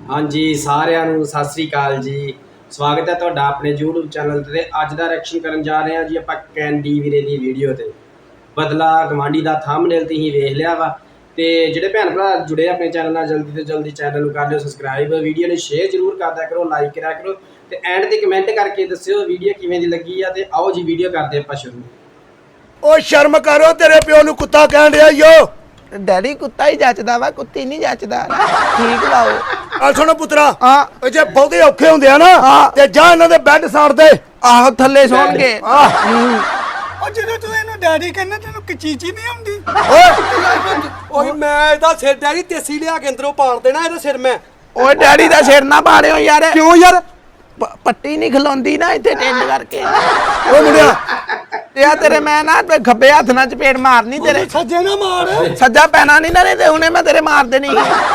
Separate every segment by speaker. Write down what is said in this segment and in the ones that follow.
Speaker 1: हाँ जी सारिਆਂ ਨੂੰ ਸਤਿ ਸ੍ਰੀ ਅਕਾਲ ਜੀ। ਸਵਾਗਤ ਹੈ ਤੁਹਾਡਾ ਆਪਣੇ YouTube ਚੈਨਲ ਤੇ। ਅੱਜ ਦਾ ਰਿਐਕਸ਼ਨ ਕਰਨ ਜਾ ਰਹੇ ਹਾਂ ਜੀ ਆਪਾਂ ਕੈਂਡੀ ਵੀਰੇ ਦੀ ਵੀਡੀਓ ਤੇ। ਬਦਲਾ ਗਵਾਂਢੀ ਦਾ ਥੰਬਨੇਲ ਤੁਸੀਂ ਵੇਖ ਲਿਆ ਵਾ। ਤੇ ਜਿਹੜੇ ਭੈਣ ਭਰਾ ਜੁੜੇ ਆਪਣੇ ਚੈਨਲ ਨਾਲ ਜਲਦੀ ਤੋਂ ਜਲਦੀ ਚੈਨਲ ਨੂੰ ਕਰ ਲਿਓ ਸਬਸਕ੍ਰਾਈਬ, ਵੀਡੀਓ ਨੂੰ ਸ਼ੇਅਰ ਜ਼ਰੂਰ ਕਰਦਿਆ ਕਰੋ, ਲਾਈਕ ਕਰਿਆ ਕਰੋ ਤੇ ਐਂਡ ਤੇ ਕਮੈਂਟ ਕਰਕੇ ਦੱਸਿਓ ਵੀਡੀਓ ਕਿਵੇਂ ਦੀ ਲੱਗੀ ਆ। ਤੇ ਆਓ ਜੀ ਵੀਡੀਓ ਕਰਦੇ ਆਪਾਂ ਸ਼ੁਰੂ।
Speaker 2: ओ शर्म करो, तेरे प्यो नु कुत्ता कह रहा यो।
Speaker 3: डैडी कुत्ता ही जचदा वा, कुत्ती नहीं जचदा। ठीक लाओ
Speaker 2: आ सुनो पुत्रा,
Speaker 3: हां
Speaker 2: जे बहुते औखे हुंदे आ ना ते जा इन्हां दे बेड साड़ दे।
Speaker 3: आहो थल्ले सोण के
Speaker 4: ਉਹ ਜਦੋਂ ਤੂੰ ਇਹਨੂੰ ਡੈਡੀ ਕਹਿੰਦਾ ਤੈਨੂੰ ਕਚੀਚੀ ਨਹੀਂ ਆਉਂਦੀ।
Speaker 5: ਓਏ ਮੈਂ ਇਹਦਾ ਸਿਰ ਡੈਡੀ ਤੇਸੀ ਲਿਆ ਕੇ ਅੰਦਰੋਂ ਪਾੜ ਦੇਣਾ ਇਹਦਾ ਸਿਰ ਮੈਂ।
Speaker 3: ओए डैडी दा सिर ना पाड़ियो यार।
Speaker 5: ਕਿਉਂ ਯਾਰ?
Speaker 3: पट्टी नहीं खलोंदी ना इत्थे टेंड करके।
Speaker 2: ओ मुंडिया
Speaker 3: या तेरे मैं ना खब्बे हाथ ना चपेड़ मारनी तेरे।
Speaker 4: ਸੱਜੇ ਨਾ ਮਾਰ।
Speaker 3: सज्जा पैना नहीं ना नहीं ते हुणे मैं तेरे मार देनी।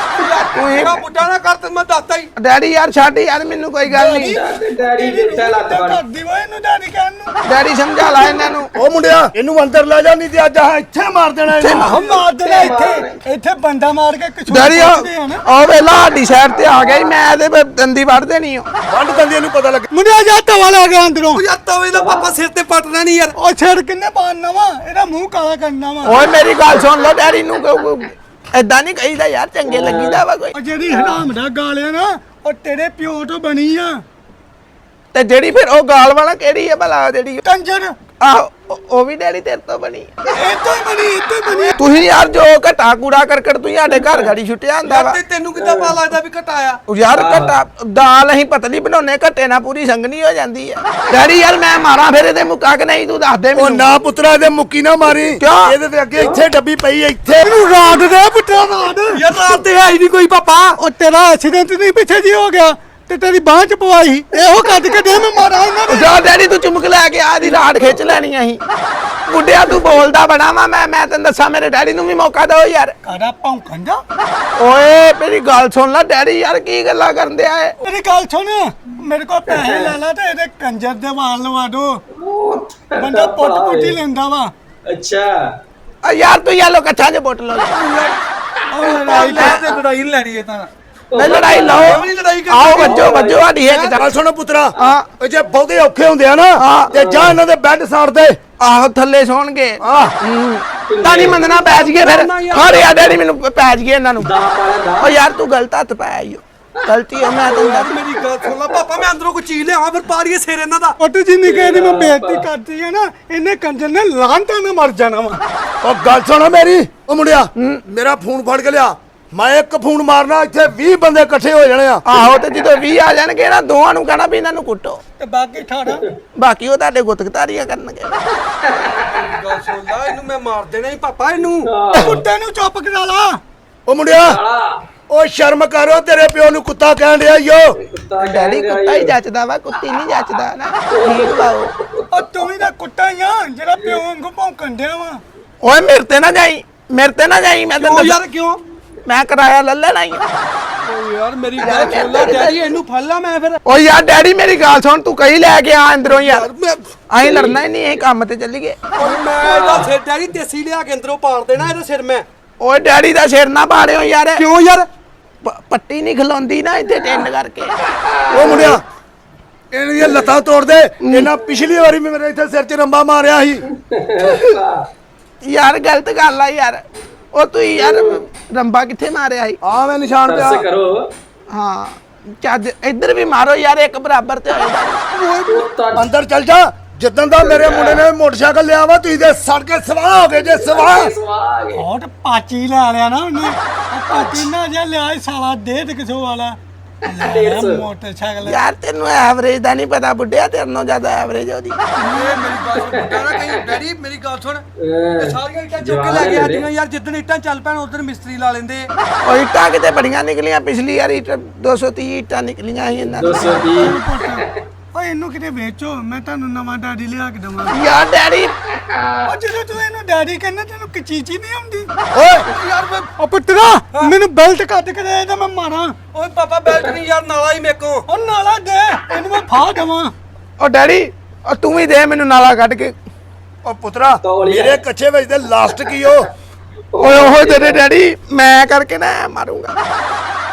Speaker 5: ਮੇਰਾ ਬੁੱਢਾ ਨਾ ਕਰ ਤੇ ਮੈਂ ਦੱਸਦਾ ਹੀ।
Speaker 3: डैडी यार छाड़ी यार मैनू कोई गल नहीं।
Speaker 1: ਡੈਡੀ ਦਿੱਤਾ ਲੱਤ ਫੜ।
Speaker 4: ਕਰਦੀ ਵਾ ਇਹਨੂੰ ਡੈਡੀ ਕਹਿਣ ਨੂੰ।
Speaker 3: डैडी समझा ला इन्हां नू।
Speaker 2: ओ मुंडिया इन्हू अंदर ले जा, नहीं ते अज इत्थे मार देना इन्हू।
Speaker 4: ਆਹ ਮਾਰ ਦੇਣਾ ਇੱਥੇ ਬੰਦਾ ਮਾਰ ਕੇ ਕਛੂ
Speaker 3: डैडी ओ वेला साडी साइड ते आ गई, मैं ਇਹਦੇ दंदी वड़ देनी हो।
Speaker 2: वंड दंदी इन्हू पता लगे।
Speaker 4: ਮੁੰਡਿਆ ਜਾ ਤਵਾ ਲੈ ਗਿਆ ਅੰਦਰੋਂ।
Speaker 5: ਉਹ ਯਾਰ ਤਵੇ ਦਾ ਪਾਪਾ ਸਿਰ ਤੇ ਪੱਟਣਾ ਨਹੀਂ ਯਾਰ।
Speaker 4: ਉਹ ਛੇੜ ਕਿੰਨੇ ਪਾਣਨਾ ਵਾ, ਇਹਦਾ ਮੂੰਹ ਕਾਲਾ ਕਰਨਾ ਵਾ।
Speaker 3: ओए मेरी गल सुन लो डैडी नू ऐदा नहीं कहीदा यार, चंगे लगीदा वा कोई।
Speaker 4: ਉਹ ਜਿਹੜੀ ਹਰਾਮ ਦਾ ਗਾਲਿਆ ਨਾ ਉਹ ਤੇਰੇ ਪਿਓ ਤੋਂ ਬਣੀ ਆ।
Speaker 3: ਤੇ ਜਿਹੜੀ ਫਿਰ ਉਹ ਗਾਲ ਵਾਲਾ ਕਿਹੜੀ ਹੈ ਭਲਾ ਜਿਹੜੀ
Speaker 4: ਕੰਜਰ
Speaker 3: ਆਹ ਉਹ ਵੀ ਡੈਡੀ ਤੇਰੇ ਤੋਂ ਬਣੀ।
Speaker 4: ਇਹ ਤੋਂ ਹੀ ਬਣੀ।
Speaker 3: ਤੁਸੀਂ ਯਾਰ ਜੋ ਘਟਾ ਕੂੜਾ ਕਰਕਟ ਤੁਸੀਂ ਸਾਡੇ ਘਰ ਗਾੜੀ ਛੁੱਟਿਆ ਹੁੰਦਾ ਵਾ।
Speaker 5: ਤੇ ਤੈਨੂੰ ਕਿੱਦਾਂ ਪਤਾ ਲੱਗਦਾ ਵੀ ਘਟਾਇਆ?
Speaker 3: ਉਹ ਯਾਰ ਘਟਾ ਦਾਲ ਅਸੀਂ ਪਤਲੀ ਬਣਾਉਨੇ, ਘਟੇ ਨਾਲ ਪੂਰੀ ਸੰਗਣੀ ਹੋ ਜਾਂਦੀ ਹੈ। ਡੈਡੀ ਯਾਰ ਮੈਂ ਮਾਰਾਂ ਫਿਰ ਇਹਦੇ ਮੁੱਕਾ ਕਿ ਨਹੀਂ ਤੂੰ ਦੱਸ ਦੇ
Speaker 2: ओ
Speaker 3: ਮੈਨੂੰ।
Speaker 2: ना पुत्रा दे मुक्की ना मारी।
Speaker 3: क्यों?
Speaker 2: ਇਹਦੇ ਤੇ ਅੱਗੇ ਇੱਥੇ ਡੱਬੀ ਪਈ ਐ ਇੱਥੇ।
Speaker 4: ਇਹਨੂੰ ਰਾਤ ਦੇ ਪੁੱਟਾ ਰਾਤ।
Speaker 5: ਯਾਰ ਰਾਤ ਤੇ ਹੈ ਹੀ ਨਹੀਂ ਕੋਈ ਪਾਪਾ।
Speaker 4: ਉਹ ਤੇਰਾ ਐਕਸੀਡੈਂਟ ਨਹੀਂ ਪਿੱਛੇ ਜੀ ਹੋ ਗਿਆ ਤੇ ਤੇਰੀ ਬਾਂਹ ਚ ਪਵਾਈ। ਇਹੋ ਕੱਢ ਕੇ ਦੇ ਮੈਂ ਮਾਰਾਂ ਇਹਨਾਂ ਦੇ।
Speaker 3: ਜਾ ਡੈਡੀ ਤੂੰ ਚੁੰਮਕ ਲੈ ਕੇ ਆ ਦੀ ਰਾੜ ਖਿੱਚ ਲੈਣੀ ਅਸੀਂ। ਬੁੱਢਿਆ ਤੂੰ ਬੋਲਦਾ ਬੜਾ ਵਾ, ਮੈਂ ਤੈਨੂੰ ਦੱਸਾਂ ਮੇਰੇ ਡੈਡੀ ਨੂੰ ਵੀ ਮੌਕਾ ਦਿਓ ਯਾਰ।
Speaker 4: ਕਾੜਾ ਭੌਂਕਣ ਦਾ।
Speaker 3: ਓਏ ਮੇਰੀ ਗੱਲ ਸੁਣ ਲੈ ਡੈਡੀ ਯਾਰ ਕੀ ਗੱਲਾਂ ਕਰਦੇ ਆ ਇਹ।
Speaker 4: ਮੇਰੀ ਗੱਲ ਸੁਣ, ਮੇਰੇ ਕੋਲ ਪੈਸੇ ਲੈ ਲਾ ਤੇ ਇਹਦੇ ਕੰਜਰ ਦੇ ਵਾਲ ਲਵਾ ਦੋ। ਬੰਦਾ ਪੁੱਟ-ਪੁੱਟੀ ਲੈਂਦਾ ਵਾ।
Speaker 1: ਅੱਛਾ
Speaker 3: ਆ ਯਾਰ ਤੂੰ ਯਾਲੋ ਕੱਠਾਂ 'ਚ ਪੁੱਟ ਲਓ।
Speaker 4: ਉਹ ਲੜਾਈ
Speaker 5: ਤੇ ਲੜਾਈ ਨੀ ਲੈਣੀ ਇਹ ਤਾਂ।
Speaker 3: ਨਹੀਂ ਲੜਾਈ ਲਾਓ,
Speaker 5: ਇਹ ਵੀ ਨੀ ਲੜਾਈ ਕਰਨੀ।
Speaker 3: ਆਓ ਵੱਜੋ ਸਾਡੀ ਇੱਕ
Speaker 2: ਗੱਲ ਸੁਣੋ ਪੁੱਤਰਾ,
Speaker 3: ਹਾਂ।
Speaker 2: ਜੇ ਬਹੁਤੇ ਔਖੇ ਹੁੰਦੇ ਆ ਨਾ ਤੇ ਜਾ ਇਹਨਾਂ ਦੇ ਬੈੱਡ ਸਾੜ ਦੇ।
Speaker 3: ਆਹੋ ਥੱਲੇ ਸੌਣਗੇ। ਤਾਂ ਨਹੀਂ ਮੰਨਣਾ, ਪੈ ਜੀਏ ਫਿਰ। ਖੜੇ ਆ ਡੈਡੀ ਮੈਨੂੰ ਪੈ ਜੀਏ ਇਹਨਾਂ ਨੂੰ। ਓ ਯਾਰ ਤੂੰ ਗਲਤ ਹੱਥ ਪਾਇਆ ਈ ਓ। ਗਲਤੀ ਆ ਮੈਂ ਤੈਨੂੰ ਦੱਸ।
Speaker 5: ਮੇਰੀ ਗੱਲ ਸੁਣ ਲੈ ਪਾਪਾ, ਮੈਂ ਅੰਦਰੋਂ ਕੋਈ ਚੀਜ਼ ਲਿਆਵਾਂ ਫਿਰ ਪਾੜੀਏ ਸਿਰ ਇਹਨਾਂ ਦਾ।
Speaker 4: ਪੁੱਟ ਜਿੰਨੀ ਕਹਿੰਦੀ ਮੈਂ ਬੇਇੱਜ਼ਤੀ ਕਰਦੀ ਆ ਨਾ, ਇਹਨੇ ਕੰਜਰ ਨੇ ਲਾਂਟਾਂ ਨਾਲ ਮਰ ਜਾਣਾ ਵਾ।
Speaker 2: ਉਹ ਗੱਲ ਸੁਣ ਮੇਰੀ, ਉਹ ਮੁੰਡਿਆ ਮੇਰਾ ਫੋਨ ਫੜ ਕੇ ਲਿਆ। ਮੈਂ ਇੱਕ ਫੋਨ ਮਾਰਨਾ ਇੱਥੇ 20 ਬੰਦੇ ਇਕੱਠੇ ਹੋ ਜਾਣੇ ਆ।
Speaker 3: ਆਹੋ ਤੇ ਜਦੋਂ 20 ਆ ਜਾਣਗੇ ਨਾ ਦੋਵਾਂ ਨੂੰ ਕਹਿਣਾ ਵੀ ਇਹਨਾਂ ਨੂੰ ਕੁੱਟੋ,
Speaker 4: ਤੇ ਬਾਕੀ ਠਾੜਾ
Speaker 3: ਬਾਕੀ ਉਹ ਤੁਹਾਡੇ ਗੁੱਤਗਤਾਰੀਆਂ ਕਰਨਗੇ।
Speaker 5: ਗੱਲ ਸੁਣ ਲੈ, ਇਹਨੂੰ ਮੈਂ ਮਾਰ ਦੇਣਾ ਹੀ ਪਾਪਾ ਇਹਨੂੰ।
Speaker 4: ਕੁੱਤੇ ਨੂੰ ਚੁੱਪ ਕਰਾ ਲਾ।
Speaker 2: ਉਹ ਮੁੰਡਿਆ ਉਹ ਸ਼ਰਮ ਕਰੋ, ਤੇਰੇ ਪਿਓ ਨੂੰ ਕੁੱਤਾ ਕਹਿ ਰਿਹਾ ਯੋ।
Speaker 3: ਡੈਡੀ ਕੁੱਤਾ ਹੀ ਜੱਚਦਾ ਵਾ, ਕੁੱਤੀ ਨਹੀਂ ਜੱਚਦਾ ਨਾ। ਠੀਕ ਲਾਓ।
Speaker 4: ਉਹ ਤੂੰ ਵੀ ਤਾਂ ਕੁੱਤਾ ਹੀ ਆ ਜਿਹੜਾ ਪਿਓ ਵਾਂਗੂ ਭੌਂਕਣ ਡਿਆ ਵਾ।
Speaker 3: ਓਏ ਮੇਰੇ ਤੇ ਨਾ ਜਾਈ, ਮੇਰੇ ਤੇ ਨਾ ਜਾਈ। ਮੈਂ
Speaker 5: ਕਿਉਂ
Speaker 3: ਤੈਨੂੰ
Speaker 5: ਯਾਰ ਕਿਉਂ?
Speaker 3: ਮੈਂ ਕਿਰਾਇਆ ਲੈ ਲੈਣਾ ਹੀ।
Speaker 5: ਓ ਯਾਰ ਮੇਰੀ ਗੱਲ ਸੁਣ ਲੈ ਡੈਡੀ, ਇਹਨੂੰ ਫੜ ਲਾ ਮੈਂ ਫਿਰ।
Speaker 3: ਓ ਯਾਰ ਡੈਡੀ ਮੇਰੀ ਗੱਲ ਸੁਣ, ਤੂੰ ਕਹੀ ਲੈ ਕੇ ਆ ਅੰਦਰੋਂ ਯਾਰ।
Speaker 5: ਮੈਂ
Speaker 3: ਅਸੀਂ ਲੜਨਾ ਹੀ ਨਹੀਂ, ਇਹ ਕੰਮ ਤੇ ਚੱਲੀਏ।
Speaker 5: ਓਏ ਮੈਂ ਇਹਦਾ ਸਿਰ ਡੈਡੀ ਤੇਸੀ ਲਿਆ ਕੇ ਅੰਦਰੋਂ ਪਾੜ ਦੇਣਾ ਇਹਦਾ ਸਿਰ ਮੈਂ।
Speaker 3: ਓਏ ਡੈਡੀ ਦਾ ਸਿਰ ਨਾ ਪਾੜਿਓ ਯਾਰ।
Speaker 5: ਕਿਉਂ ਯਾਰ?
Speaker 3: ਪੱਟੀ ਨਹੀਂ ਖਲੋਂਦੀ ਨਾ ਇੱਥੇ ਟੈਂਡ ਕਰਕੇ।
Speaker 2: ਉਹ ਮੁੰਡਿਆ ਇਹਨਾਂ ਦੀਆਂ ਲੱਤਾਂ ਤੋੜ ਦੇ। ਇਹਨਾਂ ਪਿਛਲੀ ਵਾਰੀ ਵੀ ਮੇਰੇ ਇੱਥੇ ਸਿਰ 'ਚ ਰੰਬਾ ਮਾਰਿਆ ਸੀ।
Speaker 3: ਯਾਰ ਗਲਤ ਗੱਲ ਆ ਯਾਰ। ਉਹ ਤੂੰ ਯਾਰ ਰੰਬਾ ਕਿੱਥੇ ਮਾਰਿਆ ਸੀ?
Speaker 2: ਆ ਮੈਂ ਨਿਸ਼ਾਨ ਪਿਆ।
Speaker 1: ਬਸ ਕਰੋ।
Speaker 3: ਹਾਂ ਚੱਜ ਇੱਧਰ ਵੀ ਮਾਰੋ ਯਾਰ, ਇੱਕ ਬਰਾਬਰ ਤੇ ਹੋਏਗਾ।
Speaker 2: ਅੰਦਰ ਚੱਲ ਜਾ। ਜਿੱਦਣ ਦਾ ਮੇਰੇ ਮੁੰਡੇ ਨੇ ਮੋਟਰਸਾਈਕਲ ਲਿਆ ਵਾ ਤੁਸੀਂ ਦੇ ਸੜ ਕੇ ਸਵਾਹ ਹੋ ਗਏ ਜੇ ਸਵਾਹ।
Speaker 4: ਬਹੁਤ ਪਾਚੀ ਲੈ ਲਿਆ ਨਾ ਉਹਨੇ। ਉਹ ਪਾਚੀ ਨਾ ਜਿਹਾ ਲਿਆ ਸੀ ਸਾਲਾ 150 ਵਾਲਾ ਮੋਟਰਸਾਈਕਲ।
Speaker 3: ਯਾਰ ਤੈਨੂੰ ਐਵਰੇਜ ਦਾ ਨਹੀਂ ਪਤਾ ਬੁੱਢਿਆ, ਤੇਰੇ ਨਾਲੋਂ ਜ਼ਿਆਦਾ ਐਵਰੇਜ ਉਹਦੀ।
Speaker 5: ਇਹ ਮੇਰੀ ਗੱਲ ਸੁਣ ਬੁੱਢਾ ਨਾ ਕਹੀਂ ਡੈਡੀ, ਮੇਰੀ ਗੱਲ ਸੁਣ। ਇਹ ਸਾਰੀਆਂ ਇੱਟਾਂ ਚੁੱਕ ਕੇ ਲੈ ਕੇ ਆਦੀਆਂ ਯਾਰ। ਜਿੱਦਣ ਇੱਟਾਂ ਚੱਲ ਪੈਣ ਉਦੋਂ ਮਿਸਤਰੀ ਲਾ ਲੈਂਦੇ।
Speaker 3: ਉਹ ਇੱਟਾਂ ਕਿਤੇ ਬੜੀਆਂ ਨਿਕਲੀਆਂ ਪਿਛਲੀ ਵਾਰ 230 ਇੱਟਾਂ ਨਿਕਲੀਆਂ ਸੀ ਇਹਨਾਂ
Speaker 1: 220
Speaker 4: ਓਏ ਇਹਨੂੰ ਕਿਤੇ ਵੇਚੋ, ਮੈਂ ਤੁਹਾਨੂੰ ਨਵਾਂ ਡੈਡੀ ਲਿਆ ਕੇ ਦਵਾਂ।
Speaker 3: ਯਾਰ ਡੈਡੀ
Speaker 4: ਉਹ ਜਦੋਂ ਤੂੰ ਇਹਨੂੰ ਡੈਡੀ ਕਹਿੰਦਾ ਤੈਨੂੰ ਕਚੀਚੀ ਨਹੀਂ ਆਉਂਦੀ।
Speaker 5: ਓਏ ਯਾਰ ਮੈਂ
Speaker 4: ਉਹ ਪੁੱਤਰਾ ਮੈਨੂੰ ਬੈਲਟ ਕੱਢ ਕੇ ਦੇ ਤਾਂ ਮੈਂ ਮਾਰਾਂ।
Speaker 5: ਓਏ ਪਾਪਾ ਬੈਲਟ ਨਹੀਂ ਯਾਰ, ਨਾਲਾ ਹੀ ਮੇਕੋ।
Speaker 4: ਉਹ ਨਾਲਾ ਦੇ, ਇਹਨੂੰ ਮੈਂ ਫਾਹ ਦੇਵਾਂ।
Speaker 3: ਉਹ ਡੈਡੀ ਉਹ ਤੂੰ ਵੀ ਦੇ ਮੈਨੂੰ ਨਾਲਾ ਕੱਢ ਕੇ।
Speaker 2: ਉਹ ਪੁੱਤਰਾ ਮੇਰੇ ਕੱਚੇ ਵਿੱਚ ਦੇ ਲਾਸਟ ਕੀ ਹੋ।
Speaker 3: ਓਏ ਉਹ ਤੇਰੇ ਡੈਡੀ ਮੈਂ ਕਰਕੇ ਨਾ ਮਾਰੂੰਗਾ।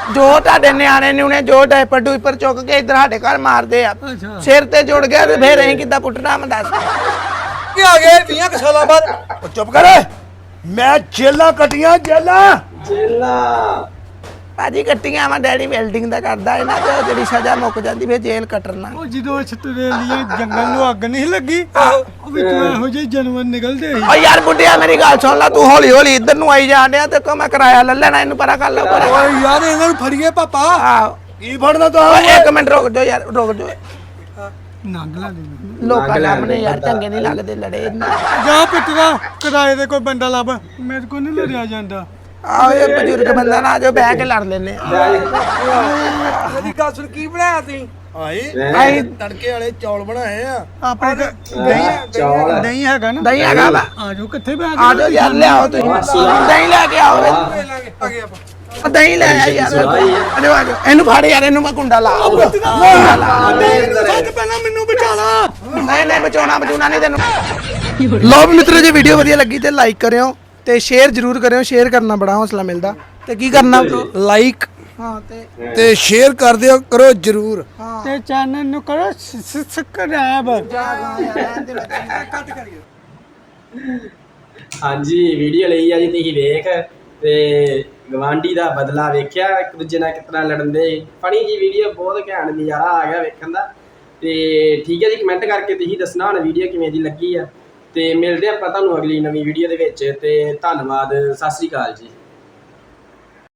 Speaker 3: ਜੋ ਤੁਹਾਡੇ ਨਿਆਣੇ ਨਿਉਣੇ ਜੋ ਡਾਈਪਰ ਡੂਈਪਰ ਚੁੱਕ ਕੇ ਇੱਧਰ ਸਾਡੇ ਘਰ ਮਾਰਦੇ ਆ
Speaker 4: ਅੱਛਾ।
Speaker 3: ਸਿਰ ਤੇ ਜੁੜ ਗਿਆ ਤੇ ਫੇਰ ਅਸੀਂ ਕਿੱਦਾਂ ਪੁੱਟਣਾ ਮੈਂ ਦੱਸ
Speaker 5: ਕੀ ਆ ਗਏ 20 ਸਾਲਾਂ ਬਾਅਦ
Speaker 2: ਉਹ ਚੁੱਪ ਕਰ ਮੈਂ ਜੇਲਾਂ ਕੱਟੀਆਂ ਜੇਲਾਂ
Speaker 1: ਜੇਲਾ
Speaker 3: ਭਾਜੀ ਕੱਟੀਆਂ ਵਾ ਡੈਡੀ ਵੈਲਡਿੰਗ ਦਾ ਕਰਦਾ ਇਹਨਾਂ ਤੇ ਉਹ ਜਿਹੜੀ ਸਜ਼ਾ ਮੁੱਕ ਜਾਂਦੀ ਫੇਰ ਜੇਲ੍ਹ ਕੱਟਣਾ
Speaker 4: ਉਹ ਜਦੋਂ ਆਸਟ੍ਰੇਲੀਆ ਜੰਗਲ ਨੂੰ ਅੱਗ ਨਹੀਂ ਲੱਗੀ ਉਹ ਵਿੱਚੋਂ ਇਹੋ ਜਿਹੇ ਜਾਨਵਰ ਨਿਕਲਦੇ ਸੀ
Speaker 3: ਓ ਯਾਰ ਬੁੱਢਿਆ ਮੇਰੀ ਗੱਲ ਸੁਣ ਲੈ ਤੂੰ ਹੌਲੀ ਹੌਲੀ ਇੱਧਰ ਨੂੰ ਆਈ ਜਾਣ ਡਿਆ ਤੇ ਕੋ ਮੈਂ ਕਿਰਾਇਆ ਲੈ ਲੈਣਾ ਇਹਨੂੰ ਪਰਾਂ ਕਰ ਲਾ ਪਰ
Speaker 5: ਓਏ ਯਾਰ ਇਹਨਾਂ ਨੂੰ ਫੜੀਏ ਪਾਪਾ
Speaker 3: ਆਹੋ
Speaker 2: ਕੀ ਫੜਨਾ ਤਾ
Speaker 3: ਓਏ ਇੱਕ ਮਿੰਟ ਰੁਕ ਜਾਓ ਯਾਰ ਰੁਕ ਜਾਓ
Speaker 4: ਨੰਗ ਲਾ ਦੇ
Speaker 3: ਲੋਕਾਂ ਸਾਹਮਣੇ ਯਾਰ ਚੰਗੇ ਨਹੀਂ ਲੱਗਦੇ ਲੜੇ ਇਹਨਾਂ
Speaker 4: ਜਾ ਪਿੱਟਦਾ ਕਿਰਾਏ ਦੇ ਕੋਈ ਬੰਦਾ ਲੱਭ ਮੇਰੇ ਕੋਲ ਨਹੀਂ ਲੜਿਆ ਜਾਂਦਾ
Speaker 3: ਆਓ ਇਹ ਬਜ਼ੁਰਗ ਬੰਦਾ ਨਾ ਜੋ ਬਹਿ ਕੇ ਲੜ ਲੈਨੇ ਆ
Speaker 5: ਮੇਰੀ ਗੱਲ ਸੁਣ ਕੀ ਬਣਾਇਆ ਤੁਸੀਂ
Speaker 3: ਆਈ
Speaker 2: ਤੜਕੇ ਵਾਲੇ ਚੌਲ ਬਣਾਏ ਆ
Speaker 4: ਆਪਣੇ
Speaker 1: ਚੌਲ
Speaker 4: ਨਹੀਂ ਹੈਗਾ ਨਾ
Speaker 3: ਦਹੀਂ ਹੈਗਾ ਵਾ
Speaker 4: ਆ ਜਾਓ ਕਿੱਥੇ ਬੈਠ
Speaker 3: ਆ ਜਾਓ ਯਾਰ ਲਿਆਓ ਤੁਸੀਂ ਦਹੀਂ ਲੈ ਕੇ ਆਓ
Speaker 5: ਲੈ ਲਾਂਗੇ ਆ ਗਏ ਆਪਾਂ
Speaker 3: ਆ ਦਹੀਂ ਲੈ ਆ ਯਾਰ ਆ ਜਾਓ ਇਹਨੂੰ ਫੜ ਯਾਰ ਇਹਨੂੰ ਮੈਂ ਕੁੰਡਾ ਲਾ
Speaker 4: ਸੱਚ ਪਹਿਲਾਂ ਮੈਨੂੰ ਬਚਾ ਲਾ
Speaker 3: ਨਹੀਂ ਬਚਾਉਣਾ ਨਹੀਂ ਤੈਨੂੰ ਲੋ ਮਿੱਤਰੋ ਜੇ ਵੀਡੀਓ ਵਧੀਆ ਲੱਗੀ ਤੇ ਲਾਈਕ ਕਰਿਓ ਤੇ ਸ਼ੇਅਰ ਜ਼ਰੂਰ ਕਰਿਓ ਸ਼ੇਅਰ ਕਰਨਾ ਬੜਾ ਹੌਸਲਾ ਮਿਲਦਾ ਤੇ ਕੀ ਕਰਨਾ
Speaker 2: ਲਾਈਕ
Speaker 3: ਹਾਂ
Speaker 2: ਤੇ ਸ਼ੇਅਰ ਕਰ ਦਿਓ ਕਰੋ ਜਰੂਰ
Speaker 4: ਤੇ ਚੈਨਲ ਨੂੰ ਕਰੋ ਸਬਸਕ੍ਰਾਈਬ
Speaker 5: ਕੱਟ ਕਰੀਏ
Speaker 1: ਹਾਂਜੀ ਵੀਡੀਓ ਲਈ ਆ ਜੀ ਤੁਸੀਂ ਵੇਖ ਤੇ ਗਵਾਂਢੀ ਦਾ ਬਦਲਾ ਵੇਖਿਆ ਇੱਕ ਦੂਜੇ ਨਾਲ ਕਿਤਨਾ ਲੜਨ ਦੇ ਫਨੀ ਜੀ ਵੀਡੀਓ ਬਹੁਤ ਘੈਂਟ ਨਜ਼ਾਰਾ ਆ ਗਿਆ ਵੇਖਣ ਦਾ ਤੇ ਠੀਕ ਹੈ ਜੀ ਕਮੈਂਟ ਕਰਕੇ ਤੁਸੀਂ ਦੱਸਣਾ ਹੁਣ ਵੀਡੀਓ ਕਿਵੇਂ ਦੀ ਲੱਗੀ ਆ ਤੇ ਮਿਲਦੇ ਆਪਾਂ ਤੁਹਾਨੂੰ ਅਗਲੀ ਨਵੀਂ ਵੀਡੀਓ ਦੇ ਵਿੱਚ ਤੇ ਧੰਨਵਾਦ ਸਤਿ ਸ੍ਰੀ ਅਕਾਲ ਜੀ।